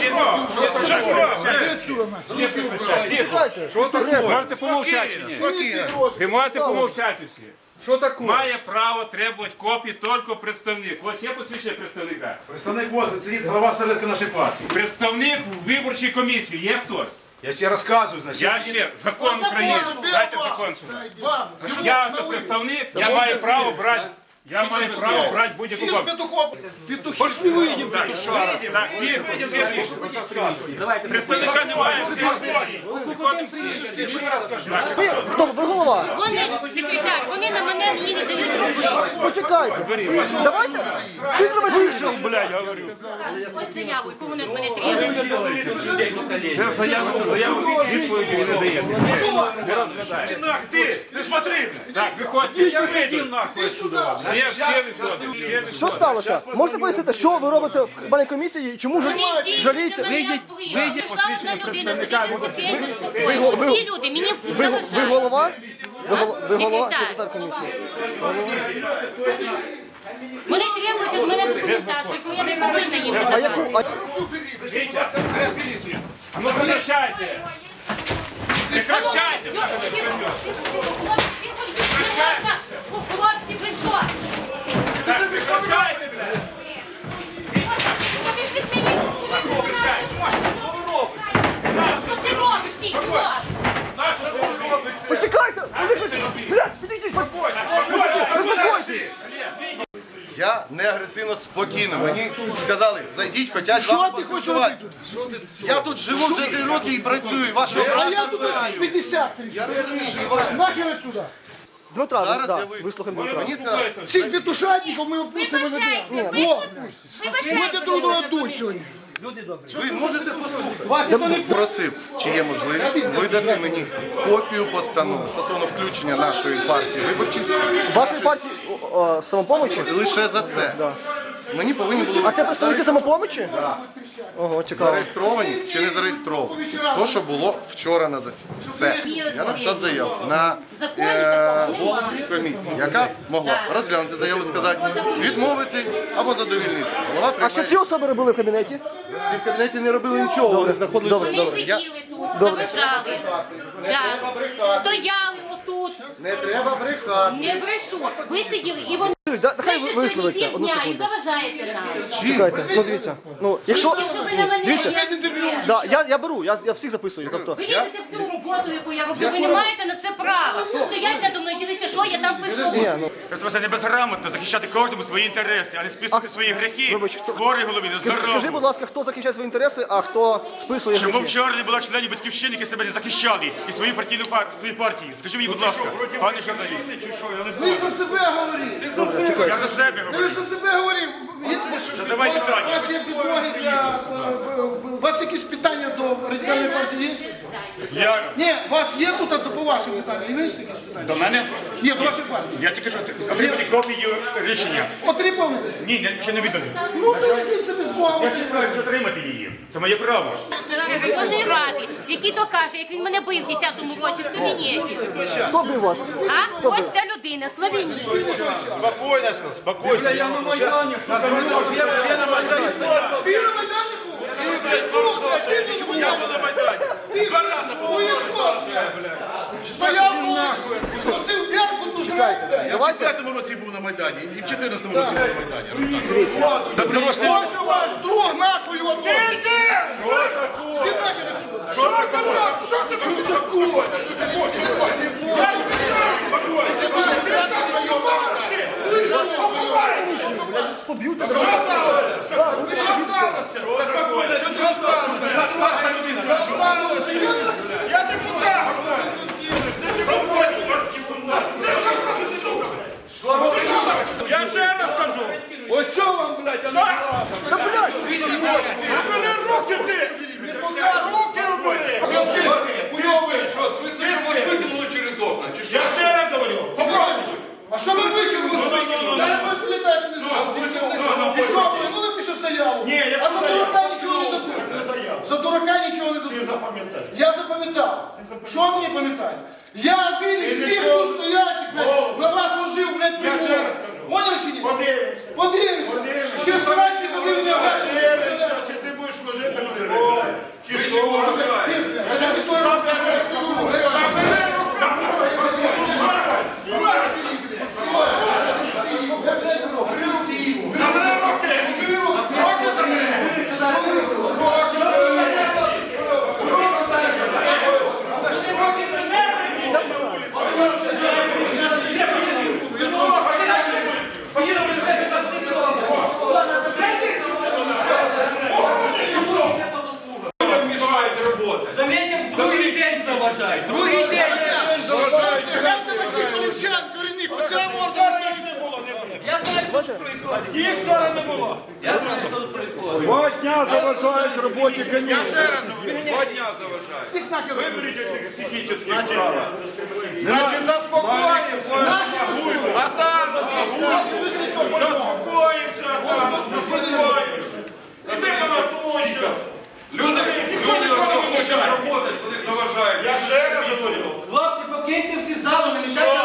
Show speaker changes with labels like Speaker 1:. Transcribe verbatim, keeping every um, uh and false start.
Speaker 1: Що таке? Можете помовчати чи ні? Ви можете помовчати всі. Що таке? Має право требувати копії тільки представник. Ось є посвідчення представника.
Speaker 2: Представник ось, сидить голова середки нашої партії.
Speaker 1: Представник виборчої комісії є хтось?
Speaker 2: Я тебе розказую, значить.
Speaker 1: Я ще закон України. Дайте закон сюди. Я це представник, я маю право брати. Я маю право брати будь-яку копію.
Speaker 2: Пошли вийдемо, петушара.
Speaker 1: Так, тихо, всі тихо. Представника немає, всі виходимо всі.
Speaker 3: Хто? Ви голова?
Speaker 4: Вони, секретар, вони на мене мені не дають робити.
Speaker 3: Почекайте. Давайте. Ти
Speaker 1: Вийшов, блядь, говорю.
Speaker 4: Ось заяву, яку вони від мене требують.
Speaker 1: Це заява, це заява, відповіді ви не даєте. Не розглядає.
Speaker 2: Ти, не смотри.
Speaker 1: Так, виходьте. Я вийду нахуй сюди. Всі, всі виходять.
Speaker 3: Що сталося? Можете пояснити, що ви робите в баній комісії і чому
Speaker 4: Вони
Speaker 3: жалієте?
Speaker 4: вийдіть, вийдіть. Прийшла одна людина, сидіти спокійно, спокійно. Всі люди, мені
Speaker 3: Ви, ви голова? Ви, гол- ви голова?
Speaker 4: Секретар.
Speaker 3: Секретар комісії.
Speaker 4: Вони требують від мене документацію, яку я не повинна їм
Speaker 3: А яку?
Speaker 4: надавати.
Speaker 3: А...
Speaker 1: А ну прекращайте. Прекращайте.
Speaker 4: Хлопці, ви що?
Speaker 1: Так, прекращайте, блядь.
Speaker 4: Ти ж від мене що ти робиш, ти ідіот?
Speaker 3: Почекайте! Блядь, підійдіть! Заспокойтесь!
Speaker 5: Я не агресивно, спокійно. Мені сказали, зайдіть, хочуть з вами поспілкуватися. Я тут живу вже три роки і працюю, і вашого
Speaker 6: А я
Speaker 5: брата
Speaker 6: тут
Speaker 5: знаю.
Speaker 6: п'ятдесят.
Speaker 5: Я розумію.
Speaker 6: Нахер отсюда.
Speaker 3: Дмитра,
Speaker 5: Зараз
Speaker 3: да,
Speaker 5: я вийду.
Speaker 3: вислухаємо Дмитра.
Speaker 5: Мені сказали,
Speaker 6: Всіх петушатників ми опустимо на дня. О, будете друг друга тут сьогодні.
Speaker 5: ви можете послухати.
Speaker 6: Вас ніхто не
Speaker 5: Просив, чи є можливість видати мені копію постанови стосовно включення нашої партії виборчих
Speaker 3: Вашої партії о, о, самопомочі?
Speaker 5: лише за це. Мені повинні були
Speaker 3: А це представники самопомочі? Ого, цікаво.
Speaker 5: зареєстровані чи не зареєстровані. То, що було вчора на засіданні. Все. Я написав заяву на е, голову комісії, яка могла розглянути заяву і сказати, відмовити або задовільнити. Голова
Speaker 3: А що
Speaker 5: приймає.
Speaker 3: ці особи робили в кабінеті?
Speaker 5: В кабінеті не робили нічого, вони знаходилися.
Speaker 3: Добре,
Speaker 4: Вони
Speaker 3: добре.
Speaker 5: Я...
Speaker 4: сиділи тут, заважали. Да. Стояли отут.
Speaker 5: Не треба брехати.
Speaker 4: Не брешу. Ви сиділи і вони
Speaker 3: Да, Нехай ви-
Speaker 4: сиділи
Speaker 3: висловиться. Одну
Speaker 4: півдня і
Speaker 3: секунду.
Speaker 4: заважаєте нам.
Speaker 3: Чекайте, ну дивіться. Ну, якщо...
Speaker 4: Якщо ви на мене,
Speaker 3: Дивіться.
Speaker 4: я-
Speaker 3: Да, я, я беру, я, я всіх записую. Тобто,
Speaker 4: ви лізете в ту роботу, яку я роблю, ви не маєте на це права. Стоять надо мною, дивіться, що я там пишу.
Speaker 3: ні, ну,
Speaker 1: Ви просто не безграмотно захищати кожному свої інтереси, а не списувати свої гріхи
Speaker 3: вибач,
Speaker 1: з хворої голови, не
Speaker 3: скажи,
Speaker 1: здорової.
Speaker 3: будь ласка, хто захищає свої інтереси, а хто списує
Speaker 1: Чому
Speaker 3: гроші?
Speaker 1: вчора не було членів батьківщини, які себе не захищали і свою партійну пар... свою партію? Скажи мені, будь ласка, пане журналіст.
Speaker 6: Ви за себе говорите.
Speaker 1: Я за себе
Speaker 6: Ви
Speaker 1: говорю.
Speaker 6: за себе говорите.
Speaker 1: Задавай
Speaker 6: У
Speaker 1: питання.
Speaker 6: вас є підмоги для... У вас якісь питання до радикальної партії є?
Speaker 1: Я
Speaker 6: Ні, у вас є тут а то по вашим питанням? Є якісь питання?
Speaker 1: до мене.
Speaker 6: Ні, до вашої партії.
Speaker 1: Я тільки що отримати копію рішення.
Speaker 6: Отримали?
Speaker 1: Ні, я ще не віддали.
Speaker 6: Ну, то це без Бога.
Speaker 1: Я чекаю отримати її. Це моє право.
Speaker 4: Районної ради, який то каже, як він мене бив в десятому році в кабінеті.
Speaker 3: Хто бив вас?
Speaker 4: А? Ось ця людина, Словеній.
Speaker 2: Спокойно, сказал, спокойно. Я на Майдані. Все, все на Майдані стояли.
Speaker 6: Ти на Майдані був? Ти тут, блядь, ти ще
Speaker 2: Я був на Майдані. Два рази був.
Speaker 6: Хуєсос, блядь. Стояв, носив п'ятку, дуже блядь.
Speaker 2: Я в четвертому році був на Майдані і в чотирнадцятому році був на Майдані. Так дорослі.
Speaker 6: Ось у вас друг нахуй його тут. Ти йди! Ти нахер отсюда. Що ж там? Що ти що такое?
Speaker 3: Поб'ють?
Speaker 2: Старша людина.
Speaker 6: Я депутат.
Speaker 2: Я ще раз кажу. Ось що вам, блядь, а не правда.
Speaker 3: Та, блядь!
Speaker 2: Убери руки ти! Руки убери!
Speaker 6: Хуйовий.
Speaker 2: Що, смисли, що вас викинули через окна? Чи що? Я ще раз говорю. Попробуй.
Speaker 6: А що ви вичерпали? Зараз ви сплітаєте не жовт. І що ви? Ну напиши заяву.
Speaker 2: Ні, я
Speaker 6: А за
Speaker 2: заяву.
Speaker 6: дурака нічого не дадуть. За дурака нічого не дадуть.
Speaker 2: Ти запам'ятай.
Speaker 6: Я запам'ятав. Що мені пам'ятати? Я один із всіх тут стоячих, блядь, на вас ложив, блядь,
Speaker 2: Я ще
Speaker 6: прибор.
Speaker 2: раз кажу.
Speaker 6: Поняв чи ні?
Speaker 2: Подивимося.
Speaker 6: Подивимося.
Speaker 2: Подивимося.
Speaker 6: Ще срачі подивимося, блядь.
Speaker 2: Подивимося, чи ти будеш служити народу.
Speaker 6: Ви що вважаєте? Забери руки! Руки забери! Руки забери! Мішаєте роботи.
Speaker 7: Заметьте, другий день заважають. Другий день.
Speaker 6: Гляньте таких полівчан, корінних, оце можна не було.
Speaker 7: Я знаю, що тут происходит.
Speaker 6: Їх вчора не було.
Speaker 7: Я знаю, що тут происходит.
Speaker 8: Два дня заважають роботі
Speaker 6: Я
Speaker 8: комісії.
Speaker 6: ще раз говорю.
Speaker 8: Два дня заважають.
Speaker 6: Всіх нахер.
Speaker 8: Виберіть оці психічні справи.
Speaker 6: Значить, заспокоїмося. А там, заспокоїмося, там, заспокоїмося. Іди понатуйся.
Speaker 8: Люди, люди ось хочуть роботи, вони заважають.
Speaker 6: Я ще раз говорю.
Speaker 7: Хлопці, покиньте всі залу, не мішайте